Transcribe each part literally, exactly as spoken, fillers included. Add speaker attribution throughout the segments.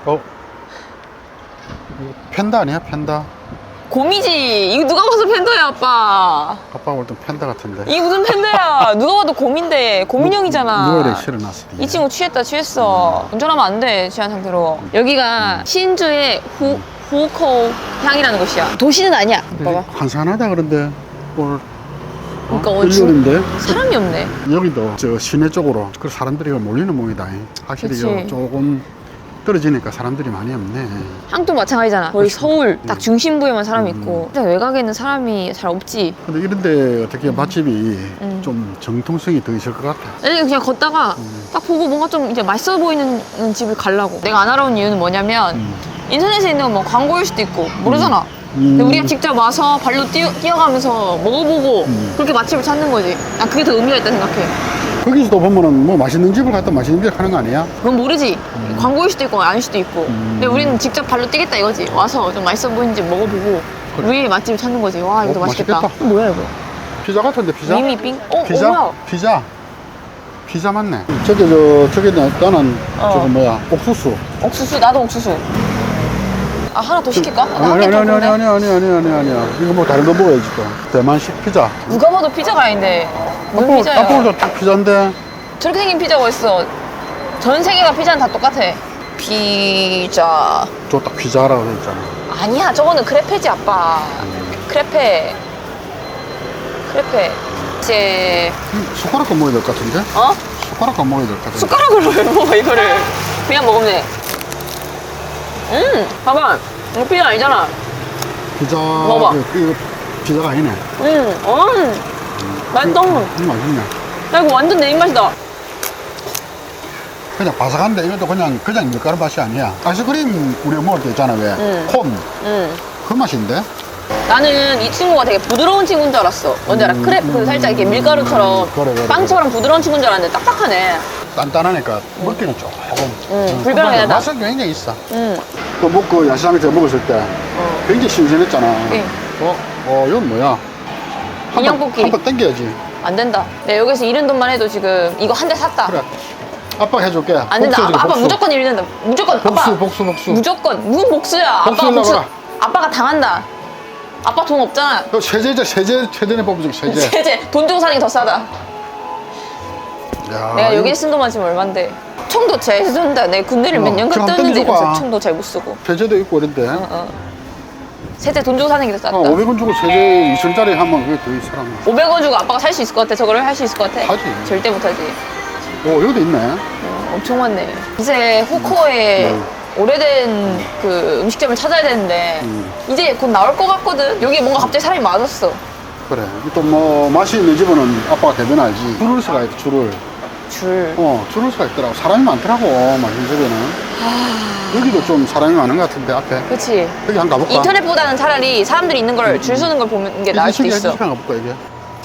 Speaker 1: 어? 이거 팬다 아니야? 팬다?
Speaker 2: 곰이지. 이거 누가 봐서 팬더야, 아빠.
Speaker 1: 아빠가 볼 땐 팬다 같은데.
Speaker 2: 이게 무슨 팬더야. 누가 봐도 곰인데 곰인형이잖아.
Speaker 1: 누가 이렇게 실어놨어?
Speaker 2: 이 친구 취했다 취했어. 운전하면 안 돼, 취한 상태로. 여기가 신주의 후, 후코 향이라는 곳이야. 도시는 아니야. 봐봐.
Speaker 1: 한산하다 그런데 오늘
Speaker 2: 그러니까
Speaker 1: 어?
Speaker 2: 오늘 주-
Speaker 1: 일요일인데
Speaker 2: 사람이 없네.
Speaker 1: 여기도 저 시내 쪽으로 그 사람들이 몰리는 모이다. 확실히
Speaker 2: 그치.
Speaker 1: 요 조금 떨어지니까 사람들이 많이 없네.
Speaker 2: 항도 마찬가지잖아. 거의 서울 딱
Speaker 1: 음.
Speaker 2: 중심부에만 사람이
Speaker 1: 음.
Speaker 2: 있고 근데 외곽에는 사람이 잘 없지.
Speaker 1: 근데 이런데 어떻게 맛집이
Speaker 2: 음.
Speaker 1: 좀 정통성이 더 있을 것 같아.
Speaker 2: 아니 그냥 걷다가
Speaker 1: 음.
Speaker 2: 딱 보고 뭔가 좀 이제 맛있어 보이는 집을 가려고. 내가 안 알아온 이유는 뭐냐면
Speaker 1: 음.
Speaker 2: 인터넷에 있는 건 뭐 광고일 수도 있고 모르잖아.
Speaker 1: 음.
Speaker 2: 근데 우리가 직접 와서 발로 뛰어, 뛰어가면서 먹어보고
Speaker 1: 음.
Speaker 2: 그렇게 맛집을 찾는 거지. 난 그게 더 의미가 있다 생각해.
Speaker 1: 거기서도 보면은 뭐 맛있는 집을 갔다 맛있는 집을 가는 거 아니야?
Speaker 2: 그건 모르지. 광고일 수도 있고 아닐 수도 있고.
Speaker 1: 음.
Speaker 2: 근데 우리는 직접 발로 뛰겠다 이거지. 와서 좀 맛있어 보이는 집 먹어보고
Speaker 1: 그래.
Speaker 2: 우리의 맛집을 찾는 거지. 와 이거 더
Speaker 1: 어,
Speaker 2: 맛있겠다.
Speaker 1: 맛있겠다.
Speaker 2: 뭐야 이거?
Speaker 1: 피자 같은데 피자?
Speaker 2: 미미 빙? 어,
Speaker 1: 피자?
Speaker 2: 어 뭐야?
Speaker 1: 피자? 피자 맞네. 저기 저 저기 나는
Speaker 2: 어.
Speaker 1: 저거 뭐야 옥수수.
Speaker 2: 옥수수 나도 옥수수. 아 하나 더 시킬까?
Speaker 1: 아니
Speaker 2: 나
Speaker 1: 아니
Speaker 2: 한개
Speaker 1: 아니
Speaker 2: 더
Speaker 1: 아니 아니 아니 아니 아니 아니야. 이거 뭐 다른 거 먹어야지 또. 대만식 피자.
Speaker 2: 누가 봐도 피자가 아닌데 무슨
Speaker 1: 아빠
Speaker 2: 피자야?
Speaker 1: 아빠도 피자인데.
Speaker 2: 저렇게 생긴 피자가 있어. 전 세계가 피자는 다 똑같아. 피자.
Speaker 1: 저 딱 피자라고 돼 있잖아.
Speaker 2: 아니야 저거는 크레페지 아빠. 크레페. 크레페. 이제
Speaker 1: 음, 숟가락도 먹어야 될 것 같은데?
Speaker 2: 어?
Speaker 1: 숟가락도 먹어야 될 것 같은데.
Speaker 2: 숟가락으로 왜 먹어 이거를? 그냥 먹으면 돼. 음, 봐봐. 이거 피자 아니잖아.
Speaker 1: 피자.
Speaker 2: 먹어봐.
Speaker 1: 이거, 이거 피자가 아니네.
Speaker 2: 음, 어, 맛있다.
Speaker 1: 음, 맛있네.
Speaker 2: 야 이거 완전 내 입맛이다.
Speaker 1: 그냥 바삭한데 이것도 그냥 그냥 밀가루 맛이 아니야. 아이스크림 우리가 먹을 때 있잖아 왜?
Speaker 2: 음.
Speaker 1: 콘.
Speaker 2: 음.
Speaker 1: 그 맛인데?
Speaker 2: 나는 이 친구가 되게 부드러운 친구인 줄 알았어. 뭔지 알아?
Speaker 1: 음,
Speaker 2: 크레프 그
Speaker 1: 음,
Speaker 2: 살짝 이렇게 밀가루처럼
Speaker 1: 그래, 그래,
Speaker 2: 빵처럼 부드러운 친구인 줄 알았는데 딱딱하네.
Speaker 1: 단단하니까 먹기는 조금.
Speaker 2: 음, 불편하긴 하다.
Speaker 1: 맛은 굉장히 있어.
Speaker 2: 음.
Speaker 1: 또 먹고 야시장에서 먹었을 때
Speaker 2: 어.
Speaker 1: 굉장히 신선했잖아.
Speaker 2: 예.
Speaker 1: 어? 어, 이건 뭐야?
Speaker 2: 인형 뽑기.
Speaker 1: 한번 당겨야지.
Speaker 2: 안 된다. 내가 여기서 잃은 돈만 해도 지금 이거 한 대 샀다.
Speaker 1: 그래. 아빠가 해줄게.
Speaker 2: 안 된다.
Speaker 1: 복수해줄게,
Speaker 2: 아빠, 아빠
Speaker 1: 복수.
Speaker 2: 무조건 잃는다. 무조건.
Speaker 1: 복수,
Speaker 2: 아빠.
Speaker 1: 복수, 복수.
Speaker 2: 무조건. 무슨 복수야? 아빠가
Speaker 1: 복수하려고
Speaker 2: 복수.
Speaker 1: 그래.
Speaker 2: 아빠가 당한다. 아빠 돈 없잖아.
Speaker 1: 그 세제자, 세제, 세제네 뽑아줄게, 세제.
Speaker 2: 세제. 돈 주고 사는 게 더 싸다.
Speaker 1: 야,
Speaker 2: 내가 여기에
Speaker 1: 이거
Speaker 2: 쓴 돈만 지금 얼만데. 총도 잘 쓴다. 내가 군대를
Speaker 1: 어,
Speaker 2: 몇 년간
Speaker 1: 그럼
Speaker 2: 떴는데
Speaker 1: 땡겨줘봐.
Speaker 2: 이러면서 총도 잘 못 쓰고.
Speaker 1: 세제도 있고 이런데.
Speaker 2: 어, 어. 세제 돈 주고 사는 게 더 쌌다.
Speaker 1: 어, 오백 원 주고 세제 이천짜리 하면 그게 더 사람.
Speaker 2: 오백 원 주고 아빠가 살 수 있을 것 같아? 저거를 할 수 있을 것 같아?
Speaker 1: 하지.
Speaker 2: 절대 못하지.
Speaker 1: 오, 여기도 있네.
Speaker 2: 어, 엄청 많네. 이제 후코에
Speaker 1: 음.
Speaker 2: 오래된 그 음식점을 찾아야 되는데
Speaker 1: 음.
Speaker 2: 이제 곧 나올 것 같거든? 여기 뭔가 갑자기 사람이 많았어.
Speaker 1: 그래. 또 뭐 맛이 있는 집은 아빠가 대변 알지. 줄을 서가 있다, 줄을.
Speaker 2: 줄.
Speaker 1: 어, 줄을 서가 있더라고. 사람이 많더라고, 맛있는 집에는. 여기도 좀 사람이 많은 것 같은데, 앞에.
Speaker 2: 그치.
Speaker 1: 여기 한번 가볼까?
Speaker 2: 인터넷보다는 차라리 사람들이 있는 걸 줄 서는 걸 보는 게 나을 수도 있어.
Speaker 1: 한번 가볼까, 이게?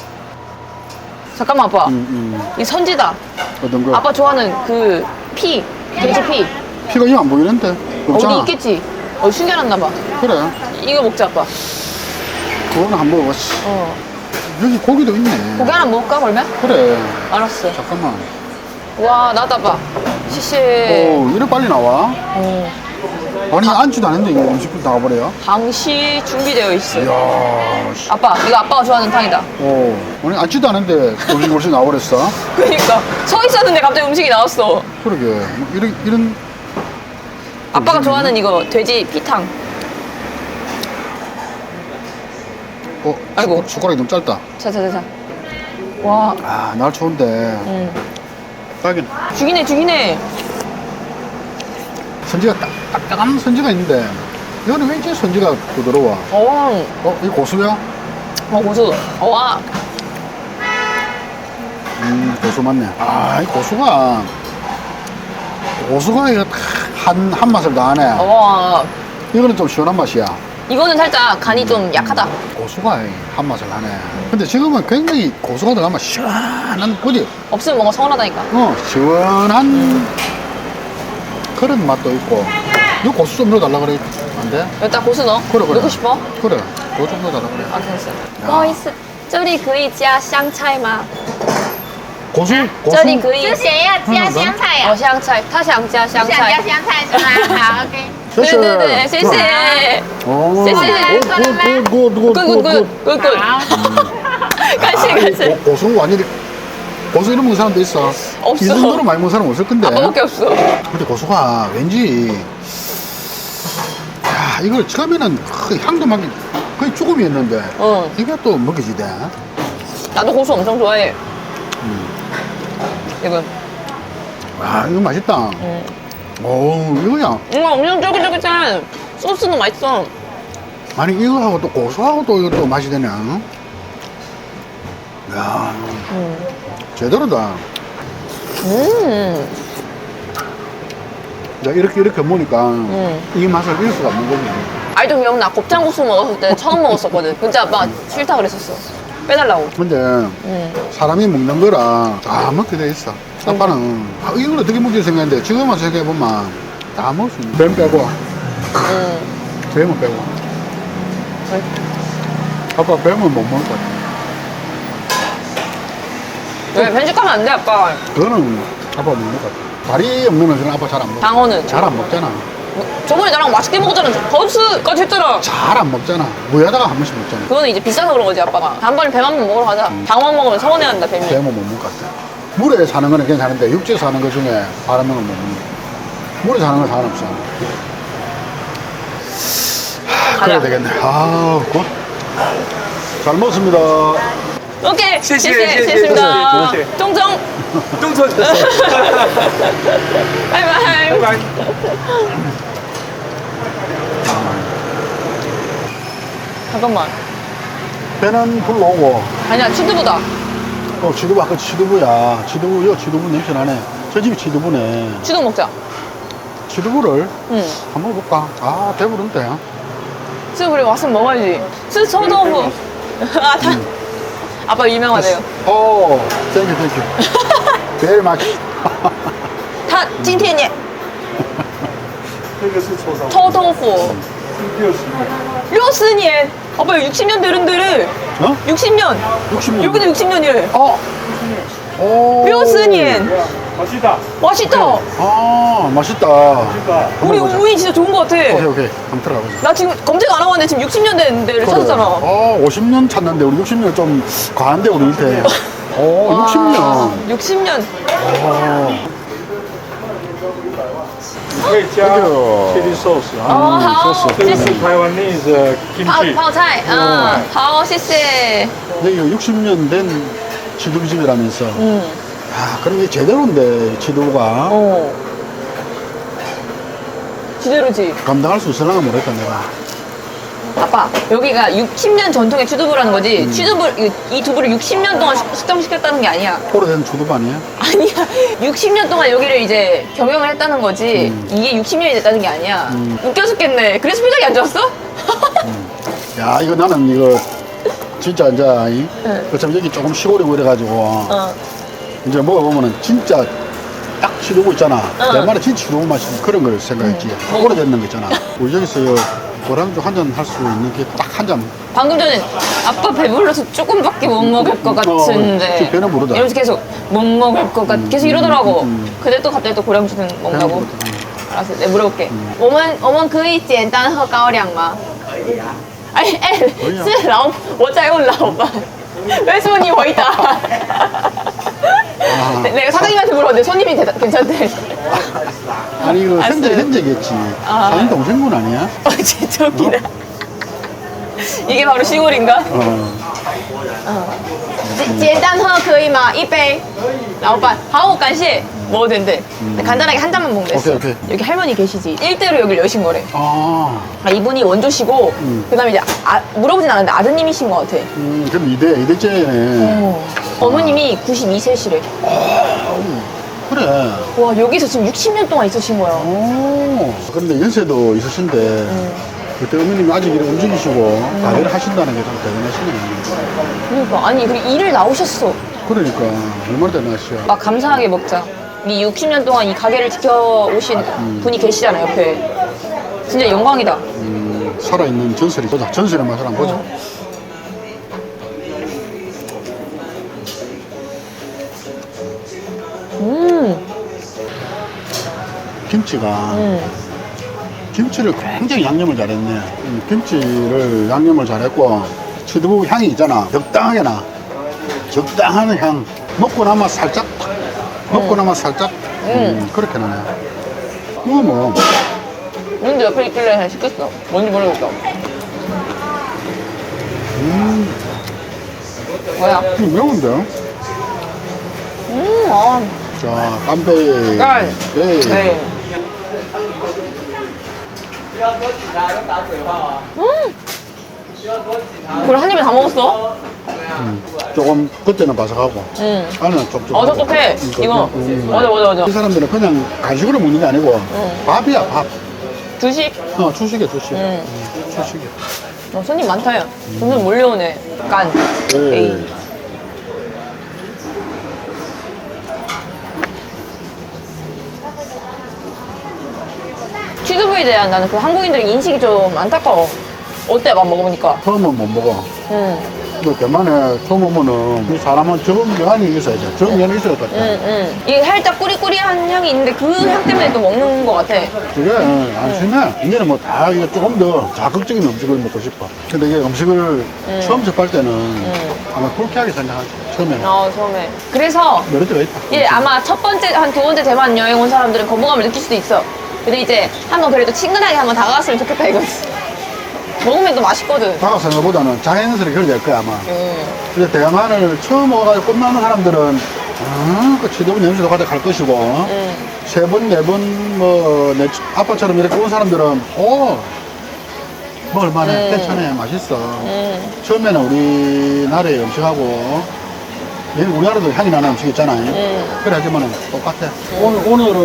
Speaker 2: 잠깐만 아빠.
Speaker 1: 음, 음.
Speaker 2: 이 선지다.
Speaker 1: 어떤 거?
Speaker 2: 아빠 좋아하는 그 피. 돼지 피.
Speaker 1: 피가 이거 안 보이는데? 없잖아.
Speaker 2: 어디 있겠지? 어 숨겨놨나 봐.
Speaker 1: 그래.
Speaker 2: 이거 먹자 아빠.
Speaker 1: 그거는 한번 먹어봤지.
Speaker 2: 어.
Speaker 1: 여기 고기도 있네.
Speaker 2: 고기 하나 먹을까 그러면?
Speaker 1: 그래.
Speaker 2: 알았어.
Speaker 1: 잠깐만.
Speaker 2: 와 나다 봐. 시시.
Speaker 1: 오, 이래 빨리 나와?
Speaker 2: 어.
Speaker 1: 아니, 앉지도 않은데 이거 음식도 나와버려요?
Speaker 2: 당시 준비되어 있어.
Speaker 1: 이야, 씨.
Speaker 2: 아빠 이거 아빠가 좋아하는 탕이다.
Speaker 1: 오, 아니, 앉지도 않은데 음식이 벌써 나와버렸어?
Speaker 2: 그러니까 서 있었는데 갑자기 음식이 나왔어.
Speaker 1: 그러게. 뭐 이런, 이런.
Speaker 2: 아빠가 좋아하는 이거 돼지 피탕.
Speaker 1: 어,
Speaker 2: 아이고.
Speaker 1: 숟- 숟가락이 너무 짧다.
Speaker 2: 자자자자. 와,
Speaker 1: 아, 날 좋은데.
Speaker 2: 음.
Speaker 1: 딱이네.
Speaker 2: 죽이네 죽이네.
Speaker 1: 선지가 딱, 딱딱한 선지가 있는데, 이거는 왠지 선지가 부드러워.
Speaker 2: 어,
Speaker 1: 어, 이거 고수야?
Speaker 2: 어 고수. 어, 와.
Speaker 1: 음, 고수 맞네. 아, 이 고수가, 고수가 이거 한, 한 맛을 다 하네.
Speaker 2: 어, 와.
Speaker 1: 이거는 좀 시원한 맛이야.
Speaker 2: 이거는 살짝 간이 좀 약하다.
Speaker 1: 고수가 한 맛을 하네. 근데 지금은 굉장히 고수가 들어가면 시원한, 그지?
Speaker 2: 없으면 뭔가 서운하다니까.
Speaker 1: 어, 시원한 그런 맛도 있고. 이거 고수 좀 넣어달라 그래. 안 돼?
Speaker 2: 여기다 고수 넣어?
Speaker 1: 그래, 그래.
Speaker 2: 넣고 싶어?
Speaker 1: 그래. 그거 좀 넣어달라 그래.
Speaker 2: 아, 됐어. 不好意思，这里可以加香菜吗？
Speaker 1: 고수 고수
Speaker 2: 这里可以
Speaker 3: 之前要加香菜
Speaker 2: 哦
Speaker 3: 啊，
Speaker 2: 香菜，他想加香
Speaker 3: 想加
Speaker 2: 菜。
Speaker 3: 香菜是吗？好，OK。
Speaker 2: 对对对，谢谢。
Speaker 1: 오,
Speaker 2: 쎄, 쎄.
Speaker 1: 굿굿굿굿굿
Speaker 2: 굿굿굿굿.
Speaker 3: 好，
Speaker 2: 간식 간식.
Speaker 1: 고수 완전히 고수 이런 먹는 사람도 있어.
Speaker 2: 없어.
Speaker 1: 이 정도로 많이 먹는 사람 없을 건데.
Speaker 2: 아빠밖에 없어.
Speaker 1: 근데 고수가 왠지 야 이걸 처음에는 그 향도 막 거의 죽음이었는데
Speaker 2: 어.
Speaker 1: 이게 또 먹여지대.
Speaker 2: 나도 고수 엄청 좋아해. 이거.
Speaker 1: 아 이거 맛있다.
Speaker 2: 음.
Speaker 1: 오 이거야.
Speaker 2: 이거 엄청 쫄깃쫄깃한 소스도 맛있어.
Speaker 1: 아니 이거하고 또 고수하고 또 이거 또 맛이 되네. 응? 야
Speaker 2: 음.
Speaker 1: 제대로다.
Speaker 2: 음.
Speaker 1: 야, 이렇게 이렇게 먹으니까
Speaker 2: 음.
Speaker 1: 이 맛을 잃을 수가 없는 거지.
Speaker 2: 아직도 기억나. 곱창국수 먹었을 때 처음 먹었었거든. 진짜 아빠 싫다 그랬었어. 빼달라고.
Speaker 1: 근데
Speaker 2: 음.
Speaker 1: 사람이 먹는 거라 다 먹게 돼 있어. 아빠는 아, 이걸 어떻게 먹지 생각했는데 지금 와서 생각해보면 다 먹을 수 있는. 뱀 빼고,
Speaker 2: 음.
Speaker 1: 뱀은 빼고.
Speaker 2: 왜?
Speaker 1: 아빠 뱀은 못 먹을 것 같아.
Speaker 2: 왜 편식하면 안 돼, 아빠.
Speaker 1: 그거는 아빠 못 먹을 것 같아. 다리 없는 애들은 아빠 잘 안 먹어.
Speaker 2: 방어는.
Speaker 1: 잘 안 먹잖아.
Speaker 2: 저번에 나랑 맛있게 먹었잖아. 버스까지 했잖아.
Speaker 1: 잘 안 먹잖아. 무에다가 한 번씩 먹잖아.
Speaker 2: 그거는 이제 비싸서 그런 거지, 아빠가. 다음번에 뱀 한 번 먹으러 가자. 방어만 먹으면 서운해한다, 뱀이.
Speaker 1: 뱀은 못 먹을 것 같아. 물에 사는 거는 괜찮은데 육지에 사는 것 중에 바람은 못 먹는 거야. 물에 사는 건 상관없어. 하, 그래야
Speaker 2: 가자.
Speaker 1: 되겠네. 아, 굿. 잘 먹었습니다.
Speaker 2: 오케이.
Speaker 4: 谢谢
Speaker 2: 谢谢
Speaker 4: 谢谢
Speaker 2: 谢谢
Speaker 4: 谢谢
Speaker 2: 中中，
Speaker 4: 动作就是
Speaker 2: 拜拜。
Speaker 4: 拜拜。
Speaker 2: 잠깐만.
Speaker 1: 배는 불러오고,
Speaker 2: 아니야, 치즈보다.
Speaker 1: 어, 지두부, 아까 지두부야. 지두부, 여 지두부 냄새 나네. 저 집이 지두부네.
Speaker 2: 치즈 먹자.
Speaker 1: 지두부를
Speaker 2: 응.
Speaker 1: 한번 먹어볼까? 아, 배부른데.
Speaker 2: 치즈 우리 왔으면 먹어야지. 치즈臭豆腐. 아, 다. 아빠 유명하대요.
Speaker 1: 오, 땡큐, 땡큐. 제일 맛있.
Speaker 2: 他今天也
Speaker 4: 那个是臭烧，
Speaker 2: 臭豆腐
Speaker 4: 六十块。
Speaker 2: 六十年. 아빠 육십 년 되는데래.
Speaker 1: 어?
Speaker 2: 육십 년.
Speaker 1: 육십 년.
Speaker 2: 여기도 육십 년이래.
Speaker 1: 어. 오.
Speaker 2: 六十年.
Speaker 4: 맛있다.
Speaker 2: 맛있다.
Speaker 1: 아, 맛있다.
Speaker 4: 그러니까
Speaker 2: 우리
Speaker 1: 한번 보자.
Speaker 2: 우이 진짜 좋은 거 같아.
Speaker 1: 오케이, 오케이. 한번 들어가 보자.
Speaker 2: 나 지금 검색 안 하고 왔는데 지금 육십 년 된 데를 찾았잖아.
Speaker 1: 어, 오십 년 찾는데 우리 육십 년 좀 과한데 우리 밑에. 오,
Speaker 2: 와,
Speaker 1: 육십 년.
Speaker 2: 육십 년.
Speaker 1: 오.
Speaker 4: 可以加
Speaker 1: 这个
Speaker 4: chili sauce
Speaker 2: 哦，
Speaker 4: 啊，
Speaker 2: 好，
Speaker 4: 这个是
Speaker 2: 谢谢。
Speaker 4: 台湾内的
Speaker 2: 泡
Speaker 4: kimchi。
Speaker 2: 泡菜，嗯，好，谢谢。
Speaker 1: 여기 육십 년 된 지두부집이라면서.
Speaker 2: 음,
Speaker 1: 아, 그럼 이게 제대로인데, 지두부가.
Speaker 2: 어. 지대로지.
Speaker 1: 감당할 수 있을랑가 모르겠다, 내가.
Speaker 2: 아빠, 여기가 육십 년 전통의 취두부라는 거지. 취두부, 이, 이 두부를 육십 년 동안 숙- 숙성시켰다는 게 아니야.
Speaker 1: 오래된 주두부 아니야?
Speaker 2: 아니야. 육십 년 동안 여기를 이제 경영을 했다는 거지. 이게 육십 년이 됐다는 게 아니야. 웃겨 죽겠네. 그래서 표정이 안 좋았어?
Speaker 1: 야, 이거 나는 이거 진짜 이제, 이
Speaker 2: 응.
Speaker 1: 어차피 여기 조금 시골이고 이래가지고.
Speaker 2: 어.
Speaker 1: 이제 먹어보면은 진짜 딱 지두부 있잖아.
Speaker 2: 응.
Speaker 1: 내 말에 진짜 지두부 맛이 그런 걸 생각했지.
Speaker 2: 응.
Speaker 1: 오래됐는 거 있잖아. 우리 여기서 요 고량주 한 잔 할 수 있는 게 딱 한 잔.
Speaker 2: 방금 전에 아빠 배불러서 조금밖에 못 먹을 것
Speaker 1: 어,
Speaker 2: 같은데
Speaker 1: 지금 배는 부르다.
Speaker 2: 이러면서 계속 못 먹을 것 같, 계속 이러더라고.
Speaker 1: 음, 음.
Speaker 2: 근데 또 갑자기 또 고량주는 먹는다고.
Speaker 1: 배는 부르다.
Speaker 2: 알았어, 내가 물어볼게. 我们我们可以简单喝高粱吗？哎哎，是老，我在问老板，为什么你回答？
Speaker 1: 아.
Speaker 2: 내- 내가 사장님한테 물어봤는데 손님이 대다, 괜찮대.
Speaker 1: 아니 이거
Speaker 2: 알았어요.
Speaker 1: 현재 현재겠지.
Speaker 2: 아.
Speaker 1: 사진 동생분 아니야?
Speaker 2: 어, 진짜 웃기다. 이게 바로 시골인가?
Speaker 1: 어.
Speaker 2: 简单喝可以吗？一杯。老板，好，感谢. 먹어도 된대. 근데 간단하게 한 잔만 먹는데.
Speaker 1: 오케이, 오케이.
Speaker 2: 여기 할머니 계시지. 일대로 여기를 여신 거래.
Speaker 1: 아.
Speaker 2: 아, 이분이 원조시고,
Speaker 1: 음.
Speaker 2: 그 다음에 이제 아, 물어보진 않았는데 아드님이신 것 같아.
Speaker 1: 음, 그럼 이대 이대째네.
Speaker 2: 어. 어머님이 구십이 세시래.
Speaker 1: 그래.
Speaker 2: 와, 여기서 지금 육십 년 동안 있으신 거야.
Speaker 1: 오. 그런데 연세도 있으신데 그때 어머님이 아직 이렇게 움직이시고 가게를 하신다는 게 좀 대단하시네.
Speaker 2: 그러니까. 아니, 그리고 일을 나오셨어.
Speaker 1: 그러니까 얼마나 대단하시야.
Speaker 2: 막 감사하게 먹자. 이 육십 년 동안 이 가게를 지켜오신 분이 계시잖아, 옆에. 진짜 영광이다.
Speaker 1: 음, 살아있는 전설이 보자. 전설의 맛을 한번 보자. 김치가
Speaker 2: 음.
Speaker 1: 김치를 굉장히 양념을 잘했네. 음, 김치를 양념을 잘했고 치드부 향이 있잖아. 적당하게 나. 적당한 향. 먹고 나면 살짝 탁. 먹고 나면 살짝 음, 그렇게 나네. 이거 뭐
Speaker 2: 근데 옆에 있길래 그냥 시켰어. 뭔지 모르겠어.
Speaker 1: 음,
Speaker 2: 뭐야?
Speaker 1: 이거 매운데?
Speaker 2: 음, 아.
Speaker 1: 자, 깜빼이.
Speaker 2: 깐.
Speaker 1: 네.
Speaker 2: 네. 음. 그걸 한 입에 다 먹었어?
Speaker 1: 음, 조금 그때는 바삭하고
Speaker 2: 응.
Speaker 1: 안은 촉촉하고.
Speaker 2: 어, 촉촉해.
Speaker 1: 음,
Speaker 2: 이거.
Speaker 1: 음.
Speaker 2: 맞아, 맞아, 맞아.
Speaker 1: 이 사람들은 그냥 간식으로 먹는 게 아니고
Speaker 2: 응.
Speaker 1: 밥이야, 밥.
Speaker 2: 주식?
Speaker 1: 어, 주식이야, 주식.
Speaker 2: 음.
Speaker 1: 음, 주식이야.
Speaker 2: 어, 손님 많다요. 점점 몰려오네. 깐.
Speaker 1: 네.
Speaker 2: 에이. 취두부에 대한 나는 그 한국인들의 인식이 좀 안타까워. 어때, 막 먹어보니까.
Speaker 1: 처음은 못 먹어.
Speaker 2: 응,
Speaker 1: 그 대만에 처음 오면은 이 사람은 적응 면이 있어야 돼. 적응 면이 있어야 될 것 같아.
Speaker 2: 응, 응. 이게 살짝 꾸리꾸리한 향이 있는데 그 향 때문에 또 먹는 것 같아.
Speaker 1: 그게 어, 안심해. 이제는 뭐 다 이거 조금 더 자극적인 음식을 먹고 싶어. 근데 이게 음식을 처음 접할 때는 아마 불쾌하게 생각하지. 처음에는.
Speaker 2: 어, 처음에. 그래서
Speaker 1: 여러 때가 있다.
Speaker 2: 이제 아마 첫 번째, 한 두 번째 대만 여행 온 사람들은 거부감을 느낄 수도 있어. 근데 이제 한번 그래도 친근하게 한번 다가갔으면 좋겠다 이거지. 먹으면 또 맛있거든.
Speaker 1: 다가 생각보다는 자연스럽게 그렇게 될 거야, 아마.
Speaker 2: 음.
Speaker 1: 근데 대만을 처음 와가지고 끝나는 사람들은 아, 그 지도부 냄새도 가져 갈 것이고
Speaker 2: 음.
Speaker 1: 세 번, 네 번, 뭐, 내 아빠처럼 이렇게 온 사람들은 오, 먹을만해,
Speaker 2: 음.
Speaker 1: 괜찮아, 맛있어.
Speaker 2: 음.
Speaker 1: 처음에는 우리나라의 음식하고 여기 우리나라도 향이 나는 음식 있잖아요.
Speaker 2: 음.
Speaker 1: 그래 하지만은 똑같아. 오늘,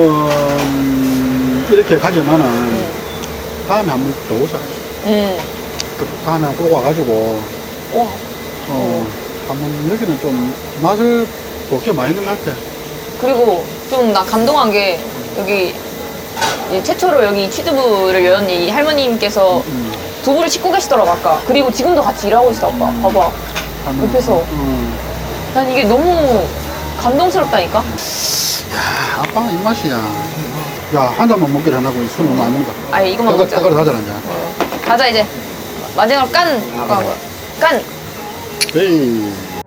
Speaker 1: 오늘은 이렇게 가지만은 다음에 한 번 더 오자.
Speaker 2: 음.
Speaker 1: 그 다음에 꼭 와가지고
Speaker 2: 와.
Speaker 1: 어, 한번 여기는 좀 맛을 볼게 많이 있는 것 같아.
Speaker 2: 그리고 좀 나 감동한 게 여기 이 최초로 여기 취두부를 연 이 할머님께서
Speaker 1: 음.
Speaker 2: 두부를 씻고 계시더라고 아까. 그리고 지금도 같이 일하고 있어 아빠. 봐봐.
Speaker 1: 하면,
Speaker 2: 옆에서.
Speaker 1: 음.
Speaker 2: 난 이게 너무 감동스럽다니까.
Speaker 1: 야, 아빠가 입맛이야. 야, 한 잔만 먹기로 해놓고 술 너무 안 먹는다.
Speaker 2: 아예 이거만 먹자.
Speaker 1: 따가리 하잖아, 이제.
Speaker 2: 가자 이제. 마지막으로 깐. 아까 깐.
Speaker 1: 에이.